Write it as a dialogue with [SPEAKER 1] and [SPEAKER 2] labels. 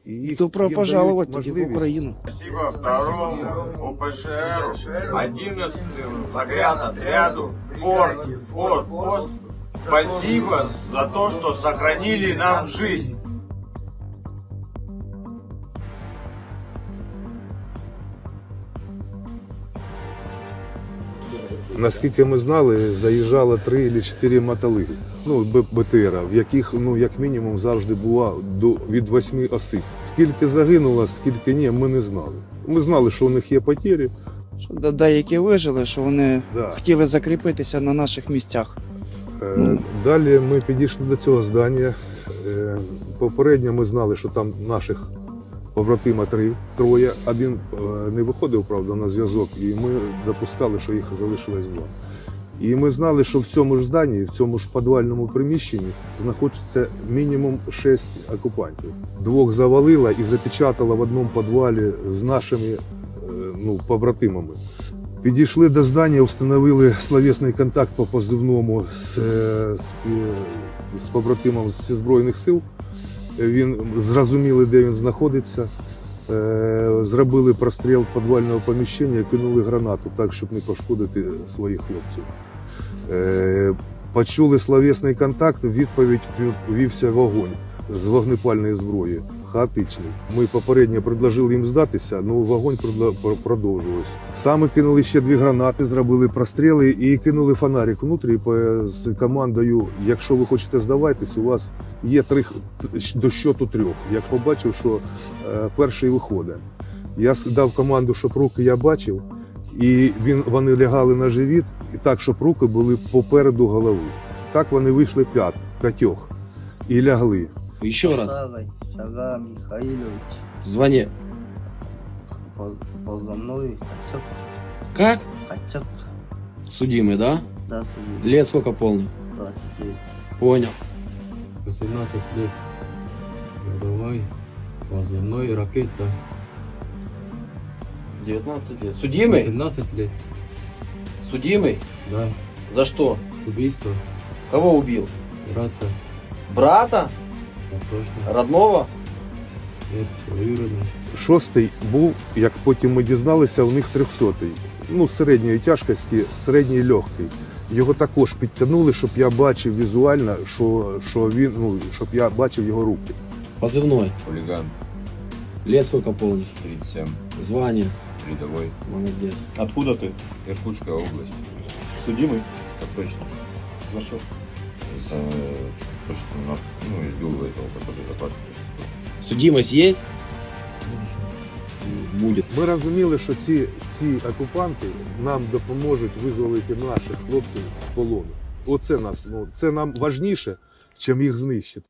[SPEAKER 1] І
[SPEAKER 2] Добро пожаловать тоді в Україну.
[SPEAKER 3] Спасибо второму УПШР, 11-м загрянотряду, Форт-Пост. Спасибо за то, что сохранили нам жизнь.
[SPEAKER 1] Наскільки ми знали, заїжджало 3 чи 4 мотолиги, БТР, в яких, як мінімум, завжди було від 8 осіб. Скільки загинуло, скільки ні, ми не знали. Ми знали, що у них є потері.
[SPEAKER 2] Що деякі вижили, що вони хотіли закріпитися на наших місцях.
[SPEAKER 1] Далі ми підійшли до цього здання. Попередньо ми знали, що там наших побратима троє. Один не виходив, правда, на зв'язок, і ми допускали, що їх залишилось 2. І ми знали, що в цьому ж зданні, в цьому ж підвальному приміщенні знаходиться мінімум 6 окупантів. 2 завалила і запечатала в одному підвалі з нашими побратимами. Підійшли до здання, встановили словесний контакт по позивному з побратимом зі Збройних сил. Він зрозуміли, де він знаходиться. Зробили простріл підвального поміщення і кинули гранату так, щоб не пошкодити своїх хлопців. Почули словесний контакт, в відповідь вівся вогонь з вогнепальної зброї, хаотичний. Ми попередньо предложили їм здатися, але вогонь продовжувався. Саме кинули ще 2 гранати, зробили простріли і кинули фонарик внутрі з командою: якщо ви хочете здаватись, у вас є 3 до щоту 3. Я побачив, що перший виходить. Я дав команду, щоб руки я бачив, і вони лягали на живіт, і так, щоб руки були попереду голови. Так вони вийшли 5 і лягли.
[SPEAKER 4] Еще раз.
[SPEAKER 5] Шага Михайлович.
[SPEAKER 4] Звание.
[SPEAKER 5] Позывной Хачак.
[SPEAKER 4] Как?
[SPEAKER 5] Хачак.
[SPEAKER 4] Судимый, да?
[SPEAKER 5] Да, судья.
[SPEAKER 4] Лет сколько полный?
[SPEAKER 5] 29.
[SPEAKER 4] Понял.
[SPEAKER 6] 18 лет. Рядовой. Позывной ракета.
[SPEAKER 4] 19 лет. Судимый?
[SPEAKER 6] 18 лет.
[SPEAKER 4] Судимый?
[SPEAKER 6] Да.
[SPEAKER 4] За что?
[SPEAKER 6] Убийство.
[SPEAKER 4] Кого убил?
[SPEAKER 6] Брата.
[SPEAKER 4] Брата?
[SPEAKER 6] Так точно.
[SPEAKER 4] Родного?
[SPEAKER 6] Нет, двоюродный.
[SPEAKER 1] 6-й був, як потім ми дізналися, у них 300-й. Середньої тяжкості, середній легкий. Його також підтягнули, щоб я бачив візуально, що він, щоб я бачив його руки.
[SPEAKER 4] Позывной.
[SPEAKER 3] Хулиган,
[SPEAKER 4] Лет сколько полный?
[SPEAKER 3] 37,
[SPEAKER 4] Звание.
[SPEAKER 3] рядовой.
[SPEAKER 4] Молодец.
[SPEAKER 7] Откуда ты?
[SPEAKER 3] Иркутская область.
[SPEAKER 7] Судимый?
[SPEAKER 3] Так точно.
[SPEAKER 7] За что?
[SPEAKER 3] За то, что избил этого, который за парк выступил.
[SPEAKER 4] Судимость есть? Будет.
[SPEAKER 1] Ми розуміли, що ці окупанти нам допоможуть визволити наших хлопців з полону. Оце це нам важніше, чим їх знищити.